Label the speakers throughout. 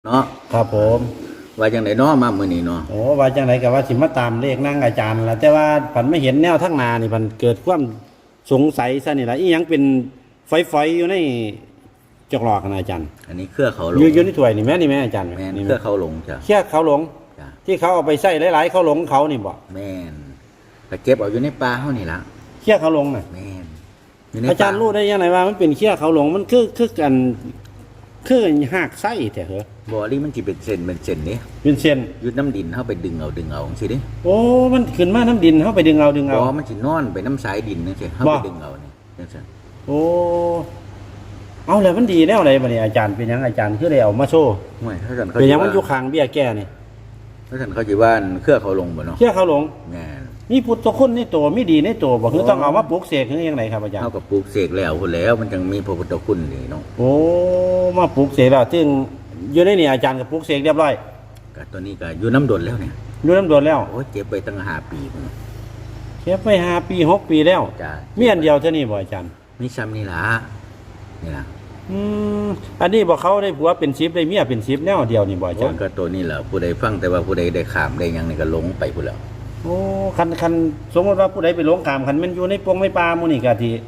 Speaker 1: เนาะ
Speaker 2: ครับผม
Speaker 1: ว่าจังไดเนาะมามื้อนี้เนาะ
Speaker 2: โอ้ว่าจังไดก็ว่าสิมาตามเลขนั่งอาจารย์ล่ะแต่ว่าผันไม่เห็นแนวทั้งนานี่ผันเกิดความสงสัยซะนี่ล่ะอีหยังเป็นฝอยๆอยู่ในจอกหลอกนะอาจารย์
Speaker 1: อันนี้เครือเขาหลง
Speaker 2: อยู่ในถ้วยนี่แม่นี่แม่อาจารย์
Speaker 1: แม่น
Speaker 2: นี่
Speaker 1: เครือเขาหลงจ้ะ
Speaker 2: เครือเขาหลง
Speaker 1: จ้ะ
Speaker 2: ที่เขาเอาไปใส่หลายๆเขาหลงเขานี่บ่
Speaker 1: แม่นก็เก็บเอาอยู่ในป่าเฮานี่ล่ะ
Speaker 2: เครือเขาหลงน่ะ
Speaker 1: แม่นอยู่ใน
Speaker 2: อาจารย์รู้ได้ยังไงว่ามันเป็นเครือเขาหลงมันคือกันคือหากไส้แต่เหรอ
Speaker 1: บ่นี่มันสิเป็นเส้นนี่
Speaker 2: เป็นเส้น
Speaker 1: อยู่น้ำดินเฮาไปดึงเอาจังซี่เด้
Speaker 2: โอ้มันขึ้นมาน้ำดินเฮาไปดึงเอา
Speaker 1: บ่มันสินอนไปน้ำสายดินจังซี่เฮาไปดึงเอานี่จังซี่
Speaker 2: โอ้เอาแล้วมันดีแนวไหนบัดนี้อาจารย์เป็นหยังอาจารย์คือได้เอามาโชว์
Speaker 1: ห่วยถ้าซั่นเขา
Speaker 2: เป็นหยังมันอยู่ข้างเบี้ยแก้นี่
Speaker 1: ถ้าซั่นเขาสิว่าเครือเขาหลงบ่เนาะ
Speaker 2: เครือเขาหลง
Speaker 1: แม่น
Speaker 2: มีพุทธคุณในตัวมีดีในตัวบ่คือต้องเอามาปลูกเสกคือจังไดครับอาจารย์
Speaker 1: เฮาก็ปลูกเสกแล้วพุ่นแล้วมันจังมีพระพุทธคุณนี่เนาะ
Speaker 2: โอ้มาปลูกเสกแล้วซึ่งอยู่ในนี่อาจารย์ก็ปลูกเสกเรียบร้อย
Speaker 1: ก็ตัวนี้ก็อยู่น้ำดนแล้วเนี่ย
Speaker 2: อยู่น้ำดวนแล้ว
Speaker 1: โอ้เจ็บไปตั้ง5 ปีพุ่น
Speaker 2: เก็บไป5 ปี6 ปีแล้ว
Speaker 1: จ้ะ
Speaker 2: มีอันเดียวเท่านี้บ่อาจารย์
Speaker 1: มีซ้ำนี่ล่ะนี่ล่ะ
Speaker 2: อันนี้บ่เขาได้ผัวเป็น10ได้เมียเป็น10แนวเดียวนี่บ่อาจารย์
Speaker 1: ก็ตัวนี้แหละผู้ใดฟังแต่ว่าผู้ใดได้ข้ามได้หยังนี่ก็หลงไปพุ่นแล้ว
Speaker 2: โอ้คันสมมติว่าผู้ใดไปหลงขามคันมันอยู่ในปงในป่าหมู่นี่ก็ที่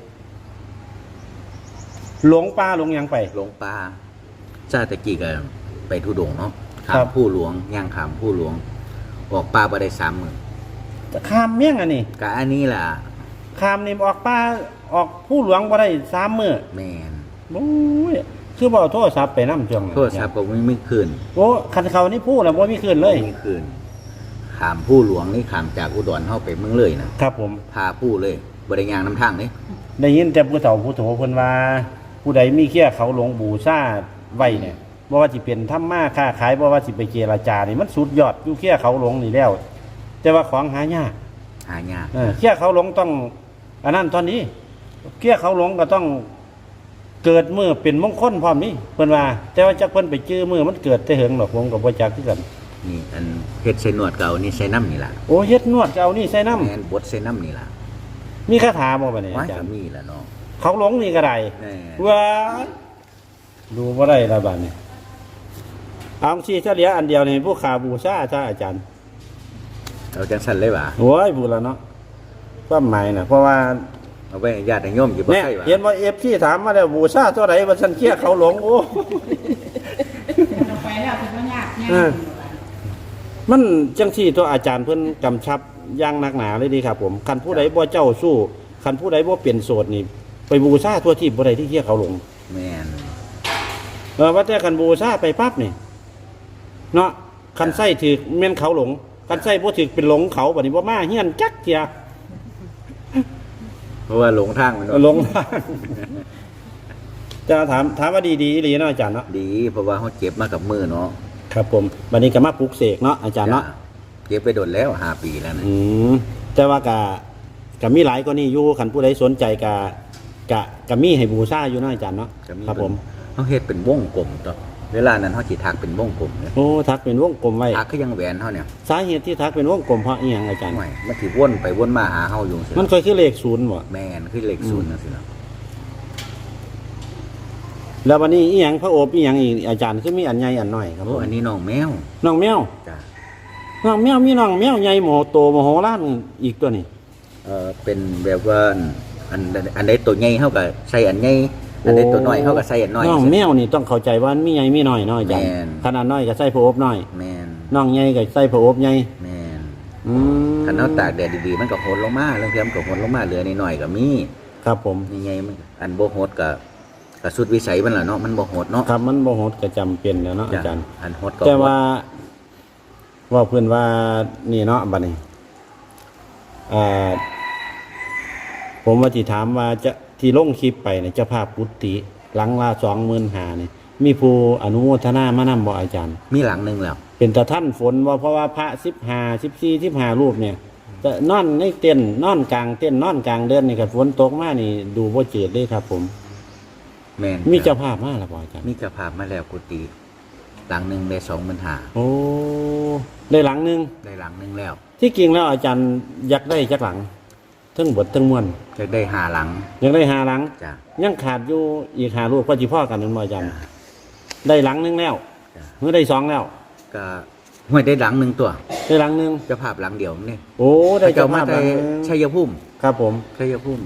Speaker 2: หลงป่าหลงหยังไป
Speaker 1: หลงป่าชาติตะกี้ก็ไปทุดงเนาะข้ามผู้หลวงย่างข้ามผู้หลวงออกป่าบ่ได้3 มื้อ
Speaker 2: จะข้ามเมี่ยงอันนี้
Speaker 1: ก็อันนี้ล่ะ
Speaker 2: ข้ามนี่ออกป่าออกผู้หลวงบ่ได้3 มื้อ
Speaker 1: แม่น
Speaker 2: โอ้ยคือบ่เอาโทรศัพท์ไปนำจัง
Speaker 1: โทรศัพท์ก็ไม่คืน
Speaker 2: โอ้คันเขานี่พูดแล้วบ่มีคืนเลย
Speaker 1: มีคืนข้ามผู้หลวงนี่ข้ามจากอุดรเฮาไปเมืองเลยนะครับ
Speaker 2: ผม
Speaker 1: พาผู้เลยบ่ได้ย่างนำทางเด้
Speaker 2: ได้ยินแต่ผู้เฒ่าผู้โถเพิ่นว่าผู้ใดมีเคี้ยเขาหลงบูชาไว้เนี่ยบ่ว่าสิเป็นทำมาค้าขายบ่ว่าสิไปเจรจานี่มันสุดยอดอยู่เคี้ยเขาหลงนี่แล้วแต่ว่าของหายากเคี้ยเขาหลงต้องอันนั้นตอนนี้เคี้ยเขาหลงก็ต้องเกิดมือเป็นมงคลพร้อมนี่เพิ่นว่าแต่ว่าจักเพิ่นไปจื้อมือมันเกิดแต่เหิงหรอกผมก็บ่จักคือกัน
Speaker 1: นี่อันเฮ็ดใส่นวดเก่านี่ใส่น้ำนี่ล่ะ
Speaker 2: โอ้เฮ็ดนวดก็เอานี่ใส่น้ำ
Speaker 1: แม่นบดใส่น้ำนี่ล่ะ
Speaker 2: มีคาถาบ่บัดนี้
Speaker 1: อาจารย์มีล่ะเนาะ
Speaker 2: เขาหลงนี่ก็ได้ว้าดูบ่ได้ละบัดนี้เอาสิเฉลี่ยอันเดียวนี่ผู้ขาบูชาซะอาจารย์
Speaker 1: เอาจังซั่นเลยว่า
Speaker 2: โอ้ยพูดแล้วเนาะความหมายน่ะเพราะว่า
Speaker 1: เอาไว้ญาติโยมอยู่บ่ใช่ว่า
Speaker 2: เห็นว่า FC ถามมาแล้วบูชาเท่าไหร่ว่าฉันเคี้ยเขาหลงโอ้
Speaker 3: ไปแล้วถึงว่ายาก
Speaker 2: มันจังซี่ตัวอาจารย์เพิ่นกำชับอย่างหนักหนาเลยดีครับผมคันผู้ใดบ่เจ้าสู้คันผู้ใดบ่เปลี่ยนโสดนี่ไปบูชาทั่วที่บ่ได้ที่เคี้ยเขาหลง
Speaker 1: แม่น
Speaker 2: ว่าแต่คันบูชาไปปั๊บนี่เนาะคันไส้ถือแม่นเขาหลงคันไส้บ่ถือเป็นหลงเขาบัดนี้บ่มาเฮียนจักเที่ย
Speaker 1: เพราะว่าหลงทางมัน
Speaker 2: หลงทางจะถามว่าดีอีหลีเนาะอาจารย์เนาะ
Speaker 1: ดีเพราะว่าเฮาเจ็บมากับมือเนาะ
Speaker 2: ครับผมบัดนี้ก็มาปลุกเสกเนาะอาจารย์เนาะ
Speaker 1: เก็บไปโดนแล้ว5 ปีแล้วนะ
Speaker 2: แต่ว่าก็มีหลายกว่านี้อยู่คันผู้ใดสนใจก็มีให้บูชาอยู่เนาะอาจารย์เนาะครับผม
Speaker 1: เฮาเฮ็ดเป็นวงกลมต่อเวลานั้นเฮาสิทักเป็นวงกลมเนี่ย
Speaker 2: โอ้ทักเป็นวงกลมไว้
Speaker 1: ทักคือยังแหวนเฮาเนี่ย
Speaker 2: สาเหตุที่ทักเป็นวงกลมเพราะอีหยังอาจารย์
Speaker 1: ไม่มันสิวนไปวนมาหาเฮาอยู่
Speaker 2: มันเคยคือเลข0บ่
Speaker 1: แม่นคือเลข0จังซี่เนาะ
Speaker 2: แล้ววันนี้อีหยังพระโอษฐ์อีหยังอีกอาจารย์คือมีอันใหญ่อันน้อยครับ
Speaker 1: โอ้อันนี้น้องแมว
Speaker 2: จ้ะน้องแมวมีน้องแมวใหญ่โมโหโตโมโหล้านอีกตัวนี้
Speaker 1: เป็นแบบว่าอันใดตัวใหญ่เฮาก็ใส่อันใหญ่อันใดตัวน้อยเฮาก็ใส่อันน้อย
Speaker 2: น้องแมวนี่ต้องเข้าใจว่ามีใหญ่มีน้อยเนาะอาจารย์ขนาดน้อยก็ใส่พระโอษฐ์น้อย
Speaker 1: แม่น
Speaker 2: น้องใหญ่ก็ใส่พระโอษฐ์ใหญ่
Speaker 1: แม่นคันเฮาตากแดดดีๆมันก็โหดลงมาเรื่องมันก็โหดลงมาเหลือน้อยๆก็มี
Speaker 2: ครับผม
Speaker 1: ใหญ่ๆมันอันบ่โหดก็สุดวิสัยมันล่ะเนาะมันบ่โหดเนาะ
Speaker 2: ครับมันบ่โหดก็จำเป็นแล้วเนาะอาจารย์
Speaker 1: อันโหดก็
Speaker 2: แต่ว่าเพิ่นว่านี่เนาะบัดนี้ผมว่าสิถามว่าจะที่ลงคลิปไปเนี่ยเจ้าภาพกุฏิหลังละ25,000นี่มีผู้อนุโมทนามานำบ่อาจารย์
Speaker 1: มีหลังนึงแล้ว
Speaker 2: เป็นตะท่านฝนว่าเพราะว่าพระ15 14 15รูปเนี่ยจะนอนในเต็นท์นอนกลางเต็นท์นอนกลางเดือนนี่ก็ฝนตกมานี่ดูบ่เจิดเลยครับผม
Speaker 1: แม่น
Speaker 2: มีเจ้าภาพมาแล้วบ่อาจารย์
Speaker 1: มีเจ้าภาพมาแล้วกุฏิหลังนึงได้25,000
Speaker 2: โอ้ได้หลังนึง
Speaker 1: แล้ว
Speaker 2: ที่จริงแล้วอาจารย์อยากได้จักหลังทั้งบททั้งมวล
Speaker 1: อยากได้5 หลัง
Speaker 2: หลัง
Speaker 1: จ้ะ
Speaker 2: ยังขาดอยู่อีก5รูปพอสิพอกันนั่นบ่อาจารย์ได้หลังนึงแล้ว
Speaker 1: จ้ะ
Speaker 2: เมื่อได้สองแล้ว
Speaker 1: ก็ห้วยได้หลังหนึ่งตัว
Speaker 2: ได้หลังหนึง
Speaker 1: เจ้าภาพหลังเดียวนี่
Speaker 2: โอ้ได้
Speaker 1: เจ้า
Speaker 2: เจ้า
Speaker 1: มา
Speaker 2: ภาพห
Speaker 1: แต่
Speaker 2: ลังหนึ่ง
Speaker 1: ชัยภูมิ
Speaker 2: ครับผม
Speaker 1: ชัยภูมิ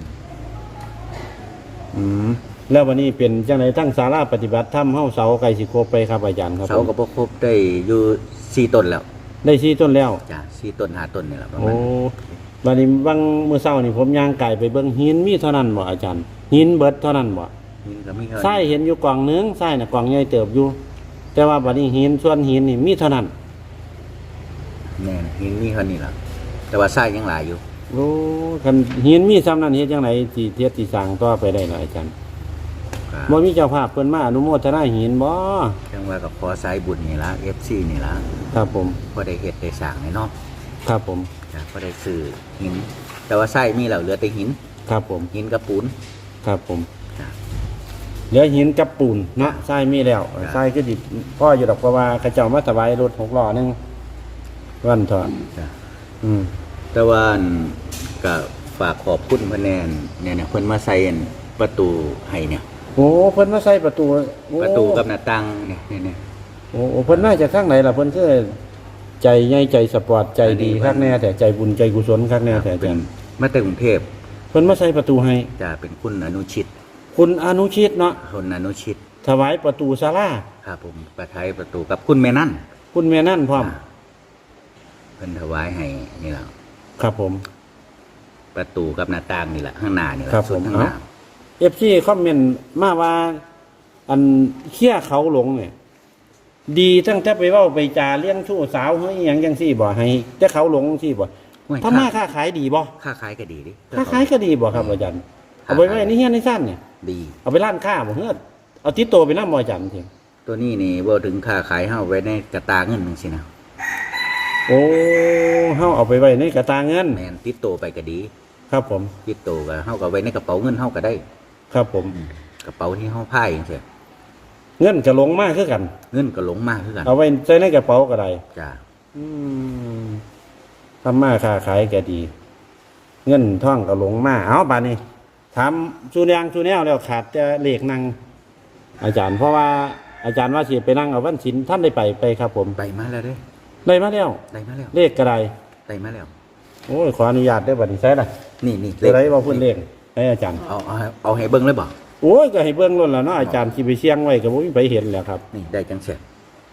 Speaker 2: อืมแล้ววันนี้เป็นจังไดทั้งศาลาปฏิบัติธรรมเฮาเสาไก่สิโครบไปครับอาจารย์ครับ
Speaker 1: เสา
Speaker 2: ผม
Speaker 1: ก็บ่ครบได้อยู่4ต้นแล้ว
Speaker 2: ได้4ต้นแล้ว
Speaker 1: จ้ะ4ต้น5ต้นนี่แหละประ
Speaker 2: โอ้
Speaker 1: มาณ
Speaker 2: วันนี้บางมื้อเช้านี่ผมย่างไก่ไปเบิ่งหินมีเท่านั้นบ่อาจารย์หินเบิดเท่านั้นบ่
Speaker 1: นี่ก็มี
Speaker 2: ทรายเห็นอยู่กล่องหนึงทรายน่ะกล่องใหญ่เติบอยู่ แต่ว่าบัดนี้หินส่วนหินนี่มีเท่านั้น
Speaker 1: แน่หินมีเท่านี้ล่ะแต่ว่าทรายยังหลายอยู่
Speaker 2: โอ้คันหินมีซ้ำนั้นเฮ็ดจังไดสิเทียบสิสร้างต่อไปได้ล่ะอาจารย์
Speaker 1: ก็
Speaker 2: บ่มีเจ้าภาพเพิ่นมาอนุโมทนาหินบ่
Speaker 1: จังว่าก็ขอสายบุญนี่ล่ะ FC นี่ล่ะ
Speaker 2: ครับผม
Speaker 1: บ่ได้เฮ็ดได้สร้างให้เนาะ
Speaker 2: ครับผม
Speaker 1: จ้ะบ่ได้ซื้อหิน แต่ว่าทรายมีแล้วเหลือแต่หิน
Speaker 2: ครับผม
Speaker 1: หินกับปูน
Speaker 2: ครับผม
Speaker 1: จ้ะ
Speaker 2: เหลือหินกับปูนเนาะทรายมีแล้ว
Speaker 1: ครับ
Speaker 2: ทรายก็ดิพ่ออยู่ดอกเพราะว่าเขาเจ้ามาถวายรถ6ล้อหนึงวันเถอะ
Speaker 1: จ้ะ
Speaker 2: อืม
Speaker 1: แต่ว่าอันก็ฝากขอบคุณเพิ่นแน่นเนี่ยเพิ่นมาใส่อันประตูให้เนี่ย
Speaker 2: โอ้เพิ่นมาใส่ประตูโอ้
Speaker 1: ประตูกับหน้าต่างเนี่ย
Speaker 2: โอ้เพิ่นน่าจะทางไหนล่ะเพิ่นคือใจใหญ่ใจสปอร์ตใจดีคักแน่แต่ใจบุญใจกุศลคักแน่แต่อา
Speaker 1: เป็
Speaker 2: จาน รย์
Speaker 1: มาแต่กรุงเทพ
Speaker 2: เพิ่นมาใส่ประตูให้
Speaker 1: จะเป็นคุณอนุชิต
Speaker 2: คุณอนุชิตเนาะ
Speaker 1: คนอนุชิต
Speaker 2: ถวายประตูศาลา
Speaker 1: ครับผมประทายประตูกับคุณแม่นั่น
Speaker 2: คุณแม่นั่นพร้อม
Speaker 1: เพิ่นถวายให้นี่แหละ
Speaker 2: ครับผม
Speaker 1: ประตูกับหน้าต่างนี่แหละข้างหน้านี่แหละ
Speaker 2: ครับ
Speaker 1: ส่วน
Speaker 2: ผม
Speaker 1: ข้างหน้า
Speaker 2: FC คอมเมนต์มาว่าอันเขี้ยเขาหลงเนี่ย ดีตั้งแต่ไปเว้าไปจาเลี้ยงชู้สาวเฮ้ยหยังจังซี่บ่ให้แต่เขาหลงจังซี่บ่
Speaker 1: ห้วย
Speaker 2: ถ้ามาค้าขายดีบ่
Speaker 1: ค้าขายก็ดีดิ
Speaker 2: ค้าขายก็ดีบ่ครับอาจารย์เอาไปไว้ในเฮียนในซ่านเนี่ย
Speaker 1: ดี
Speaker 2: เอาไปร้านค้าบ่เฮือดเอาติดตัวไปนำบ่อาจารย์เถียง
Speaker 1: ตัวนี้นี่บ่ถึงค้าขายเฮาไว้ในกระตาเงินจังซี่นะ
Speaker 2: โอ้เฮาเอาไปไว้ในกระตาเงิน
Speaker 1: แม่นติดโตวไปก็ดี
Speaker 2: ครับผม
Speaker 1: ติดโตวก็เฮาก็ไว้ในกระเป๋าเงินเฮาก็ได้
Speaker 2: ครับผม
Speaker 1: กระเป๋าที่เฮาพายจังซี่
Speaker 2: เงินก็หลงมากคือกัน
Speaker 1: เงินก็หลงมาคือกัน
Speaker 2: เอาไว้ใส่ในกระเป๋าก็ได้
Speaker 1: จ้า
Speaker 2: อืมทำมาค้าขายก็ดี เงินท่องก็หลงมาเอาบัดนี้ถามชูแนงชูแนวแล้วขาดแต่เลขนั่งอาจารย์เพราะว่าอาจารย์ว่าสิไปนั่งเอาวันศีลท่านได้ไปครับ ผม
Speaker 1: ไปมาแล้วเด้
Speaker 2: ได้มาแล้ว
Speaker 1: ได้มาแล้ว
Speaker 2: เลขก็ได้
Speaker 1: ได้มาแล้ว
Speaker 2: โอ้ยขออนุญาตได้อบัดนี้ใช่ล่ะ
Speaker 1: นี่
Speaker 2: ตัวไหนบ่พูดเลขให้อาจารย์
Speaker 1: เอาให้เบิ่งเลยบ่
Speaker 2: โอ้ยก็ให้เบิ่งล้นแล้วเนาะอาจารย์สิไปเสี่ยงไว้ก็บ่มีไปเห็นแหล้วครับ
Speaker 1: นี่ได้จังเสร็จ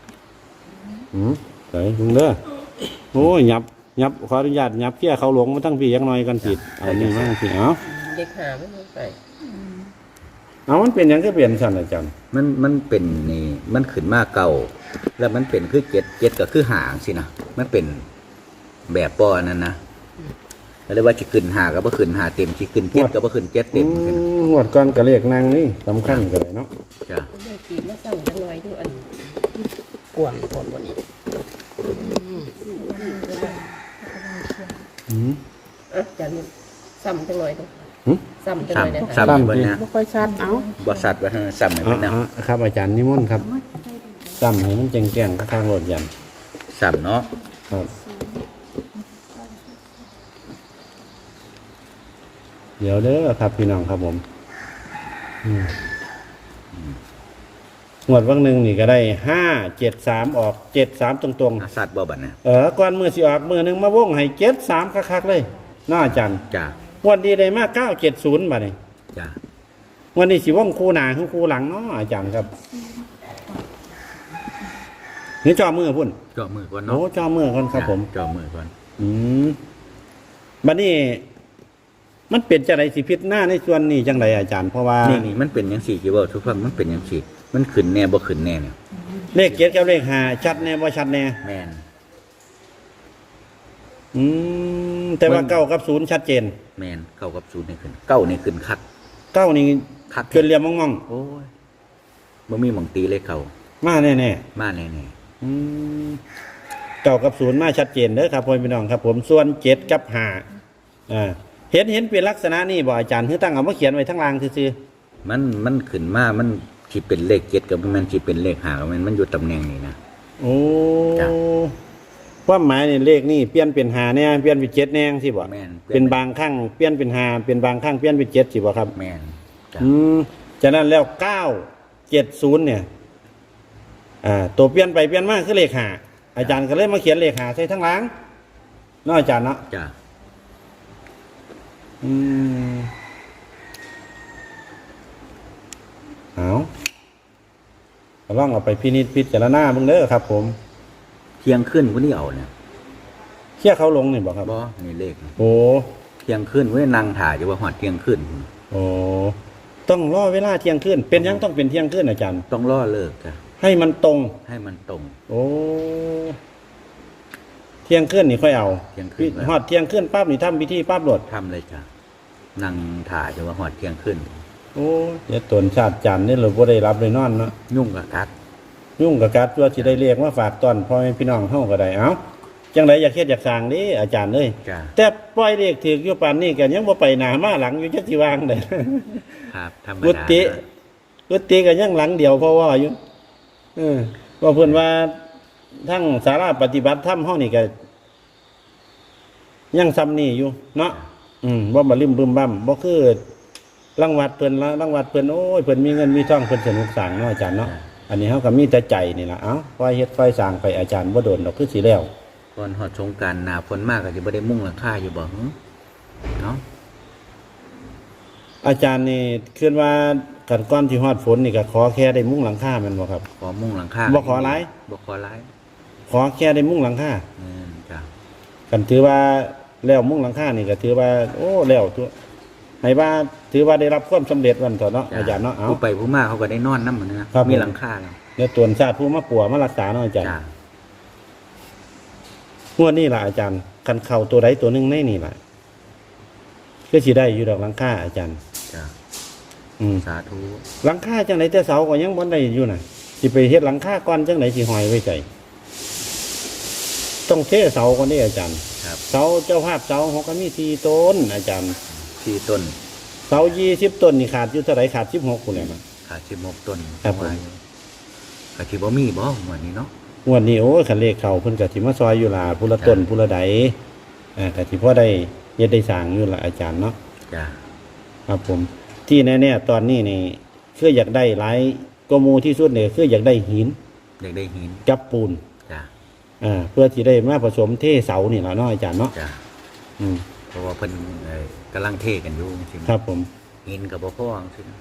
Speaker 2: ไหนลุงเด้อโอ้ยยับขออนุญาตยับเกี้ยเขาหลงมาตั้งพี่ยังน้อยกันผิดเอานี่มั่งสิเอา
Speaker 3: เด็กหาไม่รู้ไป
Speaker 2: เอามันเป็นหยังก็เปลี่ยนสั่นอาจารย์
Speaker 1: มันเป็นนี่มันขึ้นมาเก่า แล้วมันเป็นคือเจ็ดก็คือหางสินะมันเป็นแบบป้อนั่นนะแล้วเรียกว่าจะขึ้นหาก็บ่ขึ้นหาเต็มที่ขึ้นเจ็ดก็บ่ขึ้นเจ็ดเต็มขึ้น
Speaker 2: หวดก้อนกระเลขนางนี่สำคัญกันเลยเนาะ
Speaker 1: จ้ะ
Speaker 3: ได้กีมาสั่งจังหน่อยดูอันกวนคนวันนี้ อ่ะจานซ้ำจังหน่อยดูซ้ำจังหน่อยนะ
Speaker 1: ซ้ำให้เบิ่งนะ
Speaker 3: ไม่ค่อยชัดเอา
Speaker 1: บ่สัตว์ว่าให้ซ้ำให้เบิ่งนะ
Speaker 2: ครับอาจารย์นิมนต์ครับจำให้มันแจ้งๆข้างรถยัน
Speaker 1: ซ้ำเนาะ
Speaker 2: ครับเดี๋ยวเด้อครับพี่น้องครับผมงวดวันหนึ่งนี่ก็ได้573ออก73ตรง
Speaker 1: สัตว์บ่บัดนะ
Speaker 2: ๆก่อนมือสิออกมือหนึงมาวงให้73คักๆเลยน่าอาจารย์
Speaker 1: จ้ะ
Speaker 2: วันดีได้มา970บัดนี้
Speaker 1: จ้ะ
Speaker 2: วันนี้สิวงคู่หน้าคือคู่หลังเนาะอาจารย์ครับนี่จอมือพุ่น
Speaker 1: จ่อมือก่อน
Speaker 2: โอ้
Speaker 1: เนาะ
Speaker 2: จอมือก่อนครับผม
Speaker 1: จ่อมือก่อน
Speaker 2: บัดนี้มันเป็นจังไดสิพิษหน้าในส่วนนี้จังไดอาจารย์เพราะว่า
Speaker 1: นี่มันเป็นจังซี่ที่เว้าทุกฟังมันเป็นจังซี่มันขึ้นแน่บ่ขึ้นแน่เนี่ย
Speaker 2: เลข7กับเลข5ชัดแน่บ่ชัดแน่
Speaker 1: แม่น
Speaker 2: แต่ว่า9กับ0ชัดเจน
Speaker 1: แม่นเก้ากับศูนย์นี่ขึ้นเก้านี่ขึ้นคัก
Speaker 2: 9นี่
Speaker 1: คัก
Speaker 2: เกินเหลี่ยมมอง
Speaker 1: โอ้ยบ่มีหม่องตีเลยเขา
Speaker 2: ๆมาแน่
Speaker 1: มาแน่
Speaker 2: ๆ9กับ0มาชัดเจนเด้อครับพ่อพี่น้องครับ ผมส่วน7กับ5เห็นเป็นลักษณะนี้บ่อาจารย์คือตั้งเอามาเขียนไว้ทั้งล่างซื่อ
Speaker 1: ๆมันขึ้นมามันสิเป็นเลขเจ็ดกับมันสิเป็นเลขห้ากับมันอยู่ตำแหน่งนี้นะ
Speaker 2: ๆโอ้
Speaker 1: จ้ะ
Speaker 2: ความหมายนี่เลขนี่เปลี่ยนเป็น5แน่เปลี่ยนเป็น7แน่สิบ่
Speaker 1: แม่น
Speaker 2: เป็นบางครั้งเปลี่ยนเป็น5เป็นบางครั้งเปลี่ยนเป็น7สิบ่ครับ
Speaker 1: แม่นจ้ะ
Speaker 2: ฉะนั้นแล้ว970เนี่ยตัวเปลี่ยนไปเปลี่ยนมาคือเลข5อาจารย์ก็เลยมาเขียนเลข5ใส่ทั้งหลังเนาะอาจารย์เนาะ
Speaker 1: จ้ะ
Speaker 2: เอาก็ลองเอาไปพินิจพิจารณาเบิ่งเด้อครับ ผม
Speaker 1: เที่ยงขึ้นวันนี้เอาเนี่ย
Speaker 2: เชี่ยเขาลงนี่บ่ครับ
Speaker 1: บ่นี่เลข
Speaker 2: โอ้
Speaker 1: เที่ยงขึ้นเว้ยนั่งถ่ายอยู่ว่าฮอดเที่ยงขึ้น
Speaker 2: โอ้ต้องรอเวลาเที่ยงคืนเป็นยังต้องเป็นเที่ยงคืนอาจารย์
Speaker 1: ต้องรอเลิกจ้ะ
Speaker 2: ให้มันตรง
Speaker 1: ให้มันตรง
Speaker 2: โอ้เที่ยงคืนนี่ค่อยเอา
Speaker 1: เที่ยงคืน
Speaker 2: ฮอดเที่ยงคืนปั๊บนี่ทำพิธีปั๊บโหลด
Speaker 1: ทำเลยจ้ะนั่งถ่ายอยู่ว่าฮอดเที่ยงขึ้น
Speaker 2: โอ้ยตนชาติจันทร์นี่เราบ่ได้รับเลยนอนเนาะ
Speaker 1: ยุ่งกับกัด
Speaker 2: ยุ่งกับการตัวสิได้เรียกมาฝากตอนพ่อแม่พี่น้องเฮาก็ได้เอ้าจังไดอยากเฮ็ดอยากสร้างเด้อาจารย์เอ้ย
Speaker 1: จ้ะ
Speaker 2: แต่ปล่อยเลขถืออยู่ปานนี้ก็ยังบ่ไปหน้ามาหลังอยู่จักสิวางได้
Speaker 1: ครับธรรม
Speaker 2: กุ
Speaker 1: ดา
Speaker 2: ฏิกุฏิก็ยังหลังเดียวเพราะว่าอยู่ว่าเพิ่นว่าทั้งศาลาปฏิบัติธรรมเฮานี่ก็ยังซ้ำนี่อยู่เนาะบ่มาลืมบึมบั้มบ่คือรางวัดเพิ่นละรางวัดเพิ่นโอ้ยเพิ่นมีเงินมีทองเพิ่นสนุกสร้างเนาะอาจารย์เนาะอันนี้เฮาก็มีแต่ใจนี่ล่ะเอ้าค่อยเฮ็ดค่อยสร้างไปอาจารย์บ่โดนดอกคือสิแล้ว
Speaker 1: ก่อนฮอดสงกรานต์หน้าฝนมากก็สิบ่ได้มุ่งหลังคาอยู่บ่หึเนาะ
Speaker 2: อาจารย์นี่คิดว่ากันก่อนที่ฮอดฝนนี่ก็ขอแค่ได้มุ้งหลังคาแม่นบ่ครับ
Speaker 1: ขอมุ่งหลังคา
Speaker 2: บ่ขอหลาย
Speaker 1: บ่ขอหลาย
Speaker 2: ขอแค่ได้มุ้งหลังคา
Speaker 1: จ้ะ
Speaker 2: กันถือว่าแล้วมุ้งหลังคานี่ก็ถือว่า โอ้แล้วตัวให้ว่าถือว่าได้รับความสำเร็จวันเถอะเนาะอาจารย์เนาะเอา
Speaker 1: ผู้ไปผู้มาเขาก็ได้นอนนำเหมือนนะครับ มีหลังคาแล้ว
Speaker 2: เดี๋ยวตวนชาติผู้มาปัวมารักษาเนาะอาจารย์
Speaker 1: จ้ะ
Speaker 2: งวดนี้ล่ะอาจารย์คันเข้าตัวใดตัวหนึงในนี่ล่ะคือสิได้อยู่ดอกหลังคาอาจารย์
Speaker 1: จ้ะ สาธุ
Speaker 2: หลังคาจังไหนแต่เสาก็ยังบ่ได้อยู่น่ะสิไปเฮ็ดหลังคาก่อนจังไหนสิห้อยไว้ใจต้องเทเสาก่อนนี่อาจารย์
Speaker 1: ครับ
Speaker 2: เสาเจ้าภาพเสาเขาก็มี4ต้นอาจารย์
Speaker 1: 4ต้น
Speaker 2: เสา20ต้นนี่ขาดอยู่เท่าไหร่ขาด16พุ่นแหละนะ
Speaker 1: ขาด16ต้น
Speaker 2: ครับผม
Speaker 1: ก็สิบ่มีบ่วันนี้เนาะ
Speaker 2: งวดนี้โอ้ยคันเลขเข้าเพิ่นก็สิมาซอยอยู่ล่ะผู้ละต้นผู้ละใดก็สิพอได้เฮ็ดได้สร้างอยู่ล่ะอาจารย์เนาะ
Speaker 1: จ้ะ
Speaker 2: ครับผมที่แน่ๆตอนนี้นี่คืออยากได้หลายกว่าหมู่ที่สุดนี่คืออยากได้หิน
Speaker 1: อยากได้หิน
Speaker 2: กับปูน
Speaker 1: จ้ะ
Speaker 2: เพื่อที่ได้มาผสมเทเสานี่ล่ะเนาะอาจารย์เนาะ
Speaker 1: จ้ะ
Speaker 2: อืม
Speaker 1: เพราะว่าเพิ่นกำลังเทกันอยู่จริงๆ
Speaker 2: ครับผม
Speaker 1: หินก็บ่พอจังซี่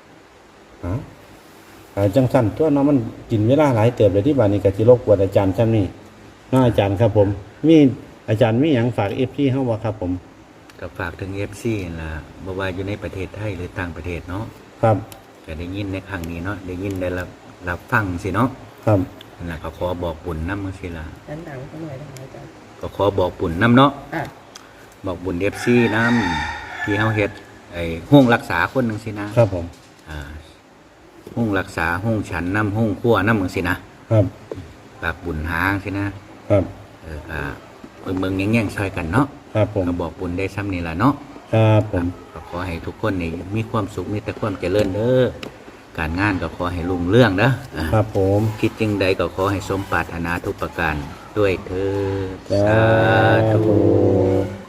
Speaker 2: จังสั้นตัวเนาะมันกินเวลาหลายเติบเลยที่บ้านนี้ก็สิรบกวนอาจารย์ซ้ำนี่เนาะอาจารย์ครับผมมีอาจารย์มีหยังฝาก FP เฮาบ่ครับผม
Speaker 1: ก็ฝากถึง FC นั่นล่ะบ่ว่าอยู่ในประเทศไทยหรือต่างประเทศเนาะ
Speaker 2: ครับ
Speaker 1: ก็ได้ยินในครั้งนี้เนาะได้ยินได้รับฟังสิเนาะ
Speaker 2: ครับ
Speaker 1: นั่นล่ะก็ขอบอกบุญนำจังซี่ล่ะ
Speaker 3: ดันดังๆสักหน่อยได้ไหมอาจารย์
Speaker 1: ก็ขอบอกบุญนำเนาะ
Speaker 3: อ่ะ
Speaker 1: บอกบุญ FC นำที่เฮาเฮ็ดห้องรักษาคนจังซี่นะครับ
Speaker 2: ผม
Speaker 1: ห้องรักษาห้องฉันนำห้องครัวนำจังซี่นะครับ ฝากบุญหาจังซี่นะครับก็เมืองแย่งๆช่วยกันเนาะ
Speaker 2: ครับผม
Speaker 1: ก็บอกบุญได้ซ้ำนี่ล่ะเนาะ
Speaker 2: ครับผม
Speaker 1: ก็ขอให้ทุกคนนี่มีความสุขมีแต่ความเจริญเด้อการงานก็ขอให้รุ่งเรื่องเด้อ
Speaker 2: ครับผม
Speaker 1: คิดจึงใดก็ขอให้สมปรารถนาทุกประการด้วยเถิด
Speaker 2: สาธุ